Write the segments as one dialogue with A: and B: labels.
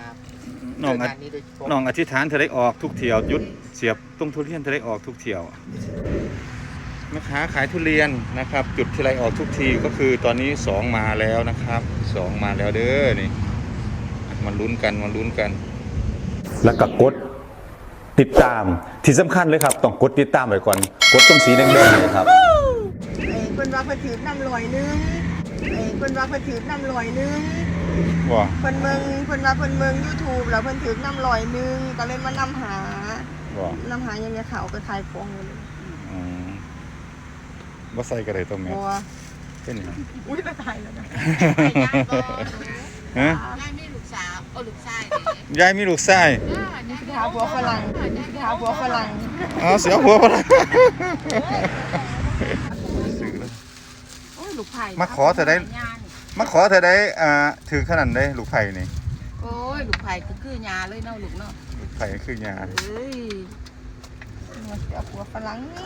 A: น้องอธิษฐานเธอได้ออกทุกเที่ยวยุดเสียบตรงทุเรียนเธอได้ออกทุกเที่ยวแม่ค้าขายทุเรียนนะครับจุดที่ไรออกทุกทีก็คือตอนนี้2มาแล้วนะครับ2มาแล้วเด้อนี่มาลุ้นกันแล้วก็กดติดตามที่สำคัญเลยครับต้องกดติดตามไว้ก่อนกดตรงสีแดงๆเลยครับ
B: คนว่าเพิ่นถือน้ำลอยนึงคนว่าเพิ่นถือน้ำลอยนึง
A: ว่า
B: เพิ่นว่าเพิ่นเมือง YouTube แล้วเพิ่นถือน้ำลอยนึงก็เลยมานำหายังไงเขาไปขายของเลย
A: บ่ใส่ก็ได้ตัวแม่เป็นหยัง
B: อุ้ยตายแล้วนะ
A: ฮะ
C: ยายมีลูกสาวลูกชาย
A: ยายมีลูกชาย
B: นี่คือหาผัวฝรั่ง
A: เสียหัวฝรั่ง
C: ลูกไผ่
A: มาขอเธอได้ถือขนาดได้ลูกไผ่นี่
C: โอ้ยลูกไผ่คือยาเลยเนาะลูกเนาะ
A: ลูกไผ่คือยา
B: เฮ้ยเสียผัวฝรั่งนี่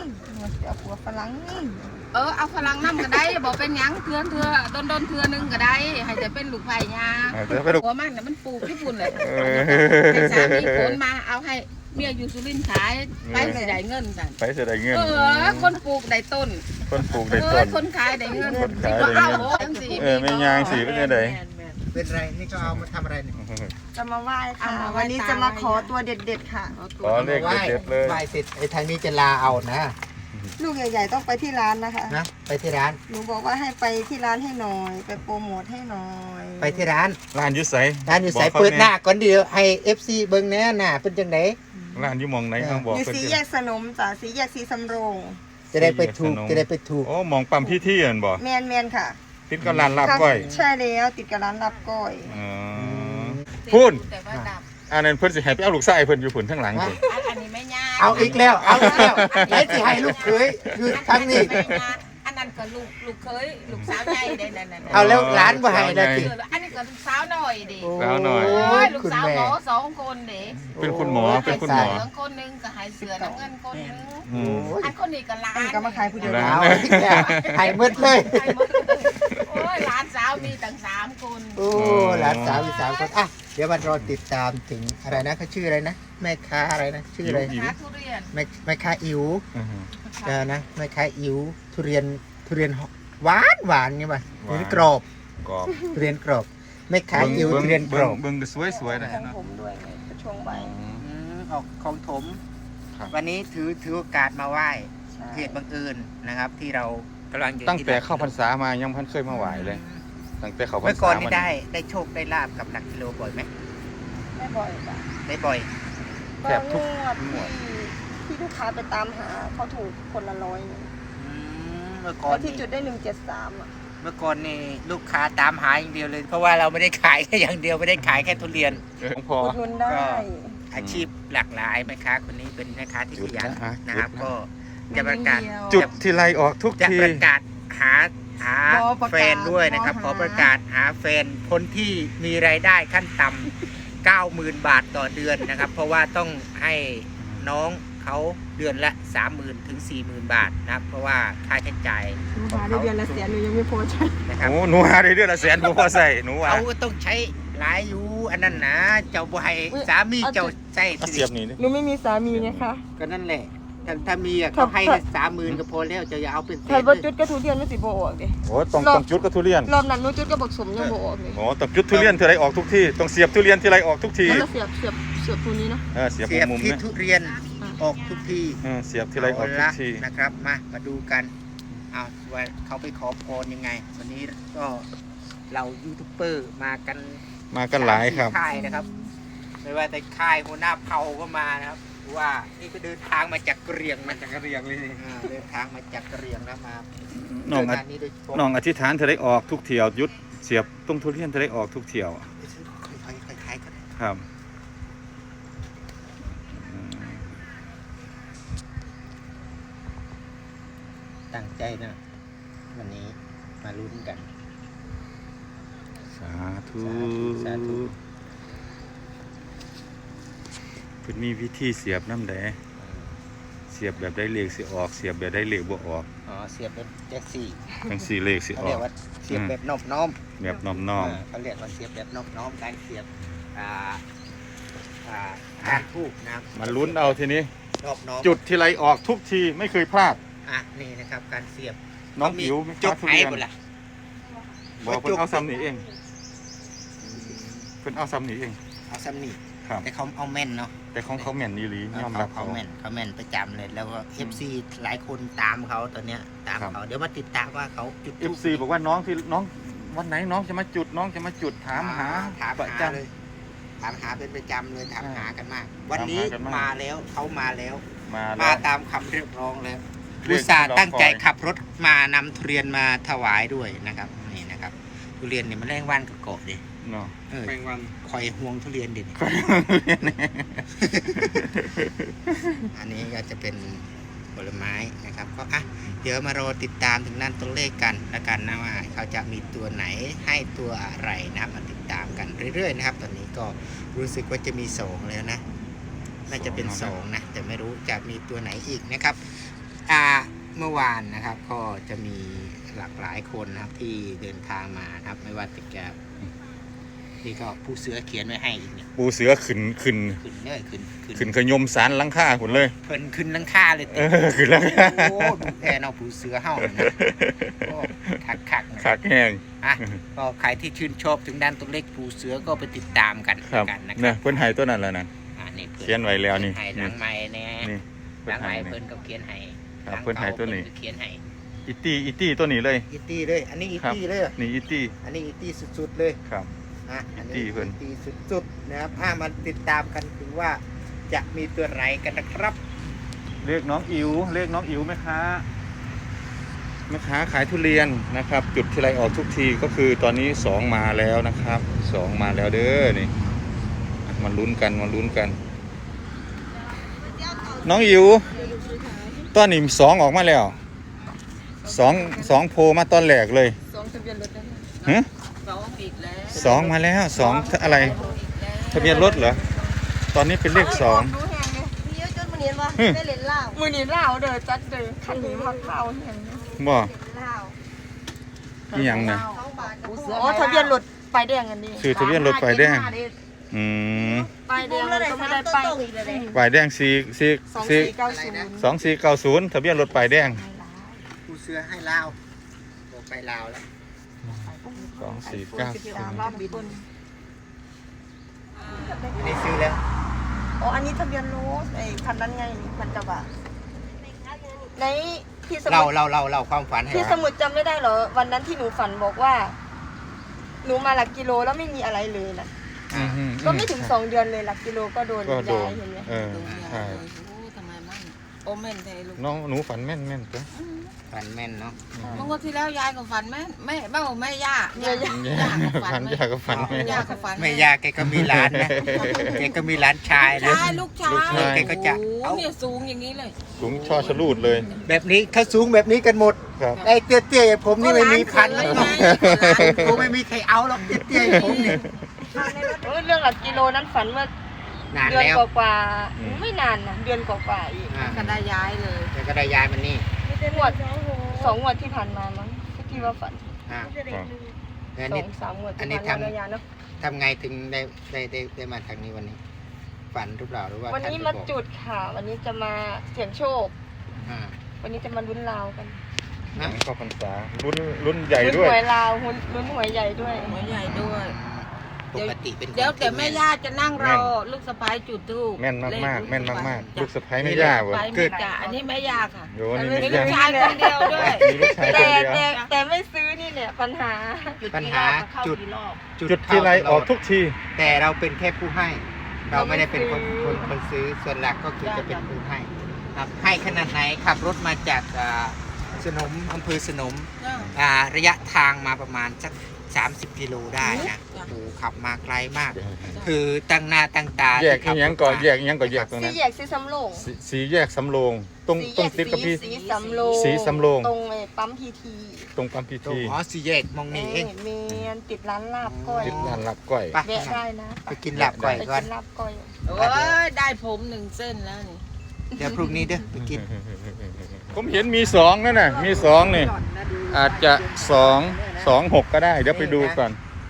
C: เอาฝรั่งน้ำก็ได้บอกเป็นหยังเถื่อโดนเถื่อนึงก็ได้ให้จะเป็นลูกไผ่ยาหัวมันน่ะมันปลูกญี่ปุ่นเลยให้สามีขนมาเอาให้เมียอยู่สุรินทร์ขายไปเสียดายเงินกัน
A: ไปเสียดายเงิน
C: คนปลูกได้ต้นคนขายได้เงิน
A: ไม่ยางสีเป็นยังไง
D: เป็นไรนี่ก็เอามาทำอะไรเนี่ย
B: จะมาไหว้ค่ะวันนี้จะมาขอตัวเด็ดๆค่ะ
A: ขอเลขเด็ดเลย
D: ไหว้เสร็จไอ้ทางนี้จะลาเอานะ
B: ลูกใหญ่ๆต้องไปที่ร้านนะคะ
D: นะไปที่ร้าน
B: หนูบอกว่าให้ไปที่ร้านให้หน่อยไปโปรโมทให้หน่อย
D: ไปที่ร้าน
A: ยุใส
D: เปิดหน้าก่อนเดียวให้ FC เบิ่งแน่หน้าเป็นจังได๋
A: ร้านอยู่มองไหนต้องบอก
B: อยู่สีแยกสนมจ้ะสีแยกสีสำโรง
D: จะได้ไปถูก
A: โอ้มองปั๊มพี่อันบ่
B: แมนค่ะ
A: ติดกับร้านลาบก้อย
B: ใช่แล้วติดกับร้านลาบก้อย
A: พูนอันนั้นเพิ่นสิให้ไปเอาลูกชายเพิ่นอยู่พุ่นข้างหลังพุ่น
C: อันนี้ไม่ยาก
D: เอาอีกแล้วแล้วสิให้ลูกเขยอยู่ทางนี้
C: อันนั้นก็ลูกเคยลูกสาวใหญ่ได้นั่น
D: เอาแล้วหลานบ่ให้นะสิ
C: อันนี้ก็ลูกสาวหน่อยดิ
A: สาวหน่อย
C: ลูกสาวหมอ2คนดิ
A: เป็นคุณหมอ
C: คนนึงก็ให้เสือน้ำเงินคนนึงอันคนนี้ก็หลาน
B: ก็มาขายผู้เดียว
D: ให้หมดเลย
C: โอ้ยหลานสาวมีตั้ง3คน
D: โอ้หลานสาวมี3คนอ่ะเดี๋ยวมารอติดตามถึงอะไรนะเขาชื่ออะไรนะแม่ค้าอะไรนะชื่ออะไรแม่ค้าอิ๋วนะแม่ค้าอิ๋วทุเรียนหวานนี่ป่ะทุเรียนกรอบทุเรียนกรอบแม่ค้าอิ๋วทุเรียนกรอบ
A: เบิ่งสวยๆนะ
B: ของผมด้วยกระชงใบ
D: ออกของถมวันนี้ถือโอกาสมาไหว้เหตุบังเอิญนะครับที่เรากำลังอยู่
A: ตั้งแต่เข้าพรรษามายังพันเคยมาไหว้เลยตั้งแต่เขาพรรษาเมื่
D: อก่อนนี่ได้โชคได้ลาบกับหลักกิโลบ่อยไหม
B: ได้บ่อยจ้ะ
D: ได้บ่อย
A: แทบทุก
B: ที่ลูกค้าไปตามหาเขาถูกคนละ100
D: เมื่อก่อน
B: ที่จุดได้173
D: เมื่อก่อนนี่ลูกค้าตามหาอย่างเดียวเลยเพราะว่าเราไม่ได้ขายแค่อย่างเดียวไม่ได้ขายแค่ทุเรียน
A: พอ
B: ก็
D: อาชีพหลากหลายแม่ค้าคนนี้เป็นแม่ค้าที่ขยันนะครับก็จะประกาศ
A: จุดที่ไรออกทุกที
D: จะประกาศหาแฟนด้วยนะครับขอประกาศหาแฟนคนที่มีรายได้ขั้นต่ำ 90,000 บาทต่อเดือนนะครับเพราะว่าต้องให้น้องเขาเดือนละ 30,000 ถึง 40,000 บาทนะครับเพราะว่าค่าใช้จ่าย
B: หาได้เดือนละแสนหนูยังไม่พอใช้
A: นะครับโอ้หนูหาได้เดือนละแสนบ่พอใส่หนูว่า
D: เขาต้องใช้หลายอยู่อันนั้นนะเจ้าบ่ให้สามีเจ้าใช้
A: เสียบนี่
B: หนูไม่มีสามีไงคะ
D: ก็นั่นแหละถ้ามีเขาให้30,000ก็พอแล้วจะอย่าเอาเป็น
B: ถ้าบ่จุดก็ทุเรียนไม่สิบ่ออกดิ
A: โอ้ต้องจุดก็ทุเรียน
B: รอบนั้นหนูจุดก็บักสมยังบ่ออกเลย
A: โอ้ต้องจุดทุเรียนที่ไรออกทุกทีต้องเสียบทุเรียนที่ไรออกทุกที
B: แล้วเสียบตัวนี้เนาะ
A: เสียบมุม
D: ที่ทุเรียนออกทุกที
A: เสียบที่ไรออกทุกที
D: นะครับมาดูกันเอาว่าเขาไปขอพรยังไงวันนี้ก็เรายูทูบเบอร์มากัน
A: หลายครับ
D: ค่ายนะครับไม่ว่าแต่ค่ายหัวหน้าเผ่าก็มานะครับว่านี่ก็เดินทางมาจากกะเหรี่ยงเลยเดินทางมาจากกะเหรี่ยงแล้วมา
A: น้องอธิษฐานเธอได้ออกทุกเที่ยวยุดเสียบตรงทุเรียนเธอได้ออกทุกเที่ยว
D: ค่อยๆกัน
A: ครับ
D: ตั้งใจนะวันนี้มาลุ้นกัน
A: สาธุเพิ่นมีวิธีเสียบน้ำแดงเสียบแบบได้เลขสิออกเสียบแบบได้เลขบ่ออก
D: เสียบแบบแจ็คซี่
A: ทั้ง4เลขสิออก
D: เรียกว่าเสียบแบบนอบน้อม
A: แบบนอบน้อม
D: เขาเรียกว่าเสียบแบบนอบน้อมการเสียบทูบนะครับ
A: มันลุ้นเอาทีนี้
D: รอบน้อง
A: จุดทีไรออกทุกทีไม่เคยพลาด
D: นี่นะครับการเสียบ
A: น้องอิ๋ว
D: จุด
A: ทุ
D: ไหน
A: เรียน
D: หมดละ
A: บอกเพิ่นเอาซ้ำหนีเองเพิ่นเอาซ้ำหนีเอง
D: เอาซ้ำนี่
A: ครับ
D: แต่เขาเอาแม่นเนาะ
A: แต่ของเขาแม่นนี่หลียอมรับ
D: เขาแม่นประจำเลยแล้วก็ FC หลายคนตามเขาตอนเนี้ยตามเขาเดี๋ยวมาติดตามว่าเขาจุด
A: เอฟซีบอกว่าน้องวันไหนน้องจะมาจุดถามหา
D: ถาม
A: ประ
D: หา
A: จ
D: เลยถามหาเป็นประจำเลยถาม
A: อ่า
D: หากันมาก วันนี้
A: ถามหากันมาก
D: มาแล้วเขามาแล้ว
A: ำมา
D: มา
A: แล้ว
D: ตามคำเรียกร้องแล้ว
A: เรี
D: อุ
A: ยก
D: ตส่าห์
A: ที่รอ
D: ตั้งใจ
A: คอย
D: ขับรถมานำทุเรียนมาถวายด้วยนะครับนี่นะครับทุเรียนเนี่ยมันแรงว่านกับเกาะดิ
A: เนาะ
D: แมงวันคอยห่วงทุเรียนดิ อันนี้ก็จะเป็นผลไม้นะครับก็เดี๋ยวมารอติดตามถึงนั่นตัวเลขกันแล้วกันนะว่าเขาจะมีตัวไหนให้ตัวอะไรนะมาติดตามกันเรื่อยๆนะครับตอนนี้ก็รู้สึกว่าจะมี2แล้วนะน่าจะเป็น2นะแต่ไม่รู้จะมีตัวไหนอีกนะครับเมื่อวานนะครับก็จะมีหลากหลายคนนะครับที่เดินทางมานะครับไม่ว่าจะนี่ก็ผู้เสือเขียนไว้ให้อีกเนี่ย
A: ปูเสือขึ้น
D: ขึ้นเลยขึ้น
A: ขยมสารหลังคาหุ่นเลย
D: เพิ่นขึ้นหลังค่าเลย
A: ขึ้นหลังคา
D: โอ้ดูแพนเอาผู้เสือเห่าเลยนะโอ้คักๆนะ
A: ขากแห้ง
D: ก็ใครที่ชื่นชอบถึงด้านตัวเลขผู้เสือก็ไปติดตามกัน
A: ครับ
D: กันนะค
A: เนี่
D: รั
A: ย
D: บ
A: เพิ่นให้ตัวนั้นแล้วนั่น
D: นี่
A: เขียนไว้แล้วนี่
D: เขียนให้หนังไม้เนี่ย
A: นี่
D: หนังไม้เพิ่นก็เขียนให้
A: ครับเพิ่นให้ตัวนี้
D: เขียนให้
A: อีตี้ตัวนี้เลย
D: อีตี้เลยอันนี้อี
A: ครับ
D: ตี้เลย
A: นี่อีตี้
D: อันนี้อีตี้สุดๆเลย
A: ครับ
D: อัน
A: อีตี้
D: นี้
A: เพิ่น
D: อีตี้สุดๆนะครับมาติดตามกันถึงว่าจะมีตัวไหนกันนะครับ
A: เรียกน้องอิ๋วแม่ค้าขายทุเรียนนะครับ จุดทีไรออกทุกทีก็คือตอนนี้2มาแล้วนะครับ2มาแล้วเด้อนี่มันลุ้นกันน้องอิ๋วตอนนี้2ออกมาแล้ว2โพมาตอนแรกเลย
C: 2ทะเบียนรถนั่น
A: ฮะ
C: 2อีกแล้ว
A: 2มาแล้ว2อะไรทะเบียนรถเหรอตอนนี้เป็นเลข2
B: ดูแหงเลยมีเยอะจนมันเห็นว่าได้เล่นเหล้ามือนี้เหล้าเด้อจัดเด้อคันนี้มักเหล้าแหง
A: บ่
B: เหล้า
A: อีหยังน่ะ
B: อ๋อทะเบียนรถป้ายแดงอันนี้
A: คือทะเบียนรถป้ายแดง อืม
B: ป้ายแดงมันก็ไม่ได้ป้าย
A: ป้ายแดง
B: 2490
A: 2490ทะเบียนรถป้ายแดง
D: ผู้เสือให้ลาวบอกไปลาวแล้ว
A: 2490
B: รอบบิน
D: ไม่ได้ซื้อแล้ว
B: อ๋ออันนี้ทะเบียนรถไอ้คันนั้นไงมันจะว่าในที่สมุ
D: เราความฝันให้
B: ที่สมุดจำไม่ได้เหรอวันนั้นที่หนูฝันบอกว่า หนูมาหลักกิโลแล้วไม่มีอะไรเลยนะก็ไม่ถึง2 เดือนเลยหลักกิโลก็โดน
A: ก็โด
B: ย้าน ยเห็นไหม
A: ใช่
C: ทำไมมันโอเมนไทยลูก
A: น้องหนูฝันแม่นตัว
D: ฝันแม่นเนาะ
C: เมื่อวันที่แล้วยายก็ฝันแม่แม่ย่า
A: ฝันยากก็ฝันแม่
C: ย่าก็ฝัน
D: แม่ยาแกก็มีหลานนะแกก็มีหลานชายนะ
C: ชายลูกชาย
D: แกก็จะ
C: โอ้เนี่ยสูงอย่างนี้เลย
A: สูงช่อชะลูดเลย
D: แบบนี้เขาสูงแบบนี้กันหมด
A: ครับ
D: ไอ้เตี้ยๆอย่างผมนี่ไม่มีพันแล้วผมไม่มีใครเอาหรอกเตี้ยๆอย่างผมนี่
B: เรื่องหลักกิโลนั้นฝันเมื่อน
D: าน
B: เดือน
D: แล้ว
B: กว่าๆไม่นานนะเดือนกว่าๆอีก
C: ก็ได้ย้ายเลย
D: แกก็ได้ย้ายมันนี่
B: งวด2 งวดที่ผ่านมามั้งที่ว่าฝัน
D: อ่า
A: ครับ
D: แล้วนี่
B: 2-3 งวด
D: อัน
B: ที่
D: นี้
B: ผ่านมา
D: ทำ
B: ระยะเนาะ
D: ทำไงถึงได้มาทางนี้วันนี้ ฝันหรือเปล่าหรือว่า
B: วันนี้
D: ท่
B: มา
D: ไปบอก
B: จุดค่ะวันนี้จะมาเสี่ยงโชค
D: อ่า
B: วันนี้จะมาลุ้นลาวกัน
D: นะ
A: ก็พรรษารุ่นใหญ่
B: ลุ้น
A: ด้วย
B: หวยลาวลุ้นหวยใหญ่ด้วย
C: หัวใหญ่ด้วย
D: ปกติเป็นคน
C: เดี๋ยวแต่
D: ที่
C: แม่ย่าจะนั่งรอลูกสะพ้ายจุดทูบ
A: แม่นมากลูกสะใภ้ไม่ยากเว้ย
C: เกิดจ้ะอันนี้แม่ย่าค่ะ
A: โยนี่
C: มี
A: ไม่
C: ลู
A: ยาก ก
C: ชายคนเดียวด้วย
A: มีลูกชายคน
B: แต่
A: เดียว
B: แต่ไม่ซื้อนี่เนี่ยปัญหา
D: ปัญหาจุด
A: ทีไรออกทุกที
D: แต่เราเป็นแค่ผู้ให้ เราไม่ได้เป็นคนซื้อส่วนหลักก็คือจะเป็นผู้ให้ครับให้ขนาดไหนขับรถมาจากสนมอำเภอสนมระยะทางมาประมาณสัก30 กิโลได้นะโอ้โหขับมาไกลมาก คือตั้งหน้าตั้งตา
A: แยก
D: ที่ขับ
A: อีหยังก่อนแยกอีหยังก่อนแยกตรง
B: สี
A: นั้น
B: แยกสีสำโรง
A: สีแยกสำโรงตรงติดกับพี่
B: สีสำโรง
A: สีสำโรง
B: ตรงไอ้ปั๊มพีที
A: ตรงปั๊มพี
D: ตรง
A: ที
D: อ๋อสี่แยกมองนี่เอง
B: เมนติดร้านลาบก้อย
A: ติดร้านลับก้อย
D: ไป
B: แวะได้นะ
D: ไปกินหลับก่อย
B: ไป
D: ก่อน
B: กินลาบก้อย
C: โอ้ยได้ผม1 เส้นแล้วนี่
D: เดี๋ยวพรุ่งนี้เด้อไปกิน
A: ผมเห็นมี2นั่นน่ะมี2นี่อาจจะ2 6ก็ได้เดี๋ยวไปดูก่อน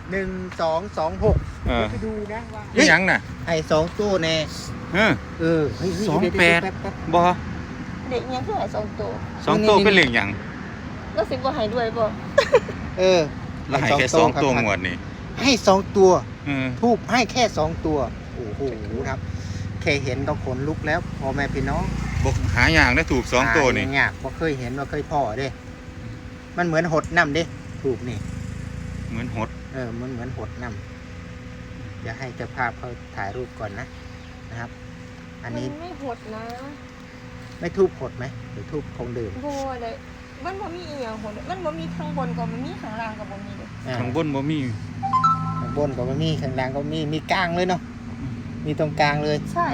D: 1226
A: เออ
D: ไปดูนะว่า
A: นี่หยังน่ะ
D: ให้2ตัวแน่
A: เออ
D: เออเฮ้ย
A: สอง
D: เดี๋ยว
A: แปด
D: เยวป๊บ
A: บ่
B: เด็กยังคือหายสองตัว
A: 2ตัวเป็นเลขหยัง
B: แล้วสิบ่ใหายด้วยบ่
D: เออ
A: แล้วให้แค่2ตัวงวดนี่
D: ให้2ตัว
A: เออ
D: ทูบให้แค่2ตัวโอ้โหครับแค่เห็นก็ขนลุกแล้วพ่อแม่พี่น้อง
A: บ่หาอย่างได้ถูก2ตัวนี่
D: หายากบ่เคยเห็นว่าเคยพ่อเด้ มันเหมือนหดน้ำเด้ถูกนี่
A: เหมือนหด
D: มันเหมือนหดน้ำอย่าให้เจ้าภาพเขาถ่ายรูปก่อนนะครับ อันนี้
B: มันไม่หดนะ
D: ไม่ทูบหดไหมหรือทูบคงดื่ม
B: บ่เลยมันบ่มีอีหยังหดมันบ่มีข้างบนก็บ่มีข้างล่างก็บ่มีเลย
A: ข้างบนบ่มี
D: ข้างบนก็ไม่มีข้างล่างก็มีกลางเลยเนาะมีตรงกลางเลย
B: ใช่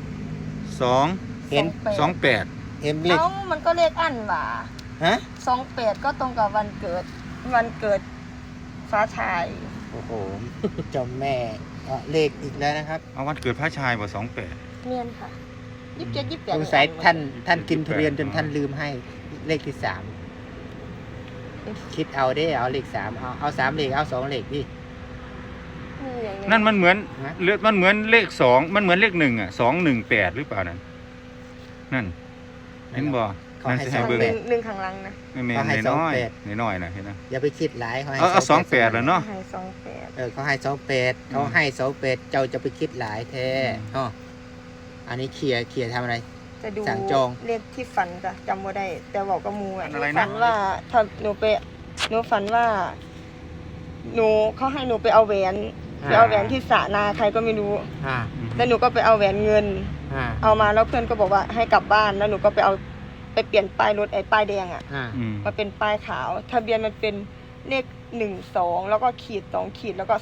A: 2
D: เห็น
A: 28
D: เห็นเลข
B: เอ้ามันก็เลขอันหว่า
D: ฮะ
B: 28ก็ตรงกับวันเกิดฟ้าชาย
D: โอ้โหเจ้าแม่เลขอีกแล้วนะครับ
A: เอาวันเกิดพระชายบ่28
B: เมียนค่ะ27 28
D: สงสัยท่านกินทุเรียนจนท่านลืมให้เลขที่3คิดเอาได้เอาเลข3เอา3เลขเอา2เลขดิ
A: นั่นมันเหมือน
D: ฮะ
A: มันเหมือนเลข2มันเหมือนเลข1อ่ะ218หรือเปล่านั่นนั่นเห็นบ่
D: เขา
A: นั่น
D: ให้
A: สิ
D: ส
A: ให้
D: อง
A: เบิ่ง
D: แปด
B: หนึ่งข้างหลังนะ
A: แม่น
D: เขาให้
A: ๆน้อย
D: 28
A: น้อยๆนะเห็นนะ
D: อย่าไปคิดหลายเขาให้
A: เอา28แล้วเนาะ
B: ให้28
D: เขาให้28เขาให้28เจ้าจะไปคิดหลายแท้อ๋ออันนี้เคลียร์ทำอะไร
B: จะดู
D: สั่งจอง
B: เลขที่ฝันจ้ะจำบ่ได้ แต่บอกกับหมูอ่ะ
A: อะไรนะ
B: ฝันว่าถ้าหนูฝันว่าเขาให้หนูไปเอาแหวนที่สระนาใครก็ไม่รู้
D: อ่า
B: แล้วหนูก็ไปเอาแหวนเงิน
D: อ่า
B: เอามาแล้วเพื่อนก็บอกว่าให้กลับบ้านแล้วหนูก็ไปเปลี่ยนป้ายรถไอ้ป้ายแดงอ่ะ
D: อ่า
A: อืม
B: มาเป็นป้ายขาวทะเบียนมันเป็นเลข12แล้วก็ขีด2ขีดแล้วก็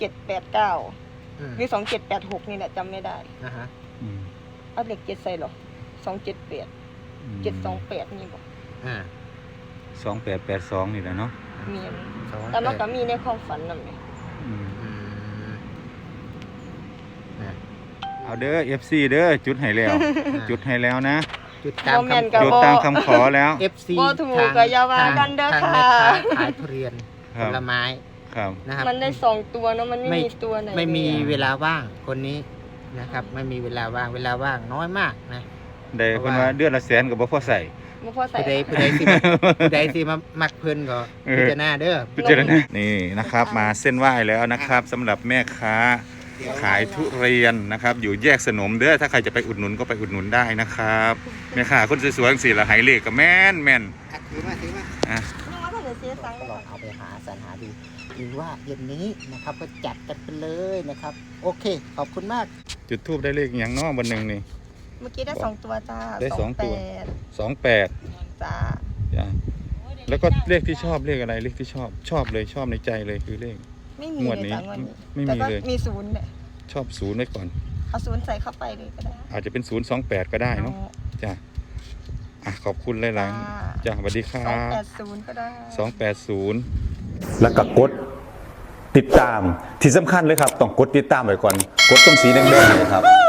B: 2789
D: อืม
B: หรือ2786นี่แหละจำไม่ได้
D: อ่าฮะ
A: อืม
B: เอาเลข7ใส่หรอ278 728นี่บอก
D: อ่า
A: 2882นี่แหละเนาะ
B: มีอันแต่มันก็มีในความฝันนั่นแหละ
A: อืม
D: อืมนะ
A: เอาเด้อ FC เด้อจุดให้แล้ว จุดให้แล้วนะ
D: จุดตาม
B: บ่แม่น
D: คำ
B: ก็
A: จุด
B: บ่
A: ตามคำขอแล้ว
D: FC
B: บ่ถูกก็อย่าว่ากันเด้อ
D: ทาง
B: ค่ะ
D: แม่ค้าขายทุเรียน
A: ค
D: ผ
A: รับ
D: ลไม้
A: ครับ
D: นะครับ
B: มันได้2ตัวเนาะมันไม่มีตัวไหน
D: ไม่มี
B: เลย
D: เวลาว่างคนนี้นะครับ ไม่มีเวลาว่างน้อยมากนะ
A: ได้เพิ่นว่าเดือนละแสนก็บ่พอใส่
B: บ่พอใส่
D: ผู้ใดสิมามักเพิ่นก็
A: เออ
D: พิจารณาเด้อ
A: พิจารณานี่นะครับมาเส้นไหว้แล้วนะครับสำหรับแม่ค้าขายทุเรียนนะครับ อยู่แยกสนมเด้อถ้าใครจะไปอุดหนุนก็ไปอุดหนุนได้นะครับแม่ค้าคนสวยๆสิละไหเลขก็แม่น
D: ถือมา
A: อ่ะ
B: นึกว่าถ้าจะเสียตังค์
D: ก็ลองเอาไปหาสรรหาดูหรือว่าเย็นนี้นะครับก็จัดกันไปเลยนะครับ โอเค ขอบคุณมาก
A: จุดทูบได้เลขอย่างน้อบนหนึ่งนี่
B: เมื่อกี้ได้2ตัวจ้า
A: ได้สองตัว 28
B: จ้า
A: จ้ะแล้วก็เลขที่ชอบเลขอะไรเลขที่ชอบเลยชอบในใจเลยคือเลข
B: ไม่มี
A: งวด
B: เลย
A: นี้
B: จ้างวดนี้
A: ไม่มี
B: แต่ก็
A: เลย
B: มี0เนี่ย
A: ชอบศูนย์ไว้ก่อน
B: เอา0ใส่เข้าไปเลยก็ได้
A: อาจจะเป็น028ก็ได้เนาะจ้ะอ่ะขอบคุณหลายๆจ้ะสวัสดีครั
B: 280ก็ได้
A: บ280แล้วก็กดติดตามที่สำคัญเลยครับต้องกดติดตามไว้ก่อนกดตรงสีแดงๆเลยครับ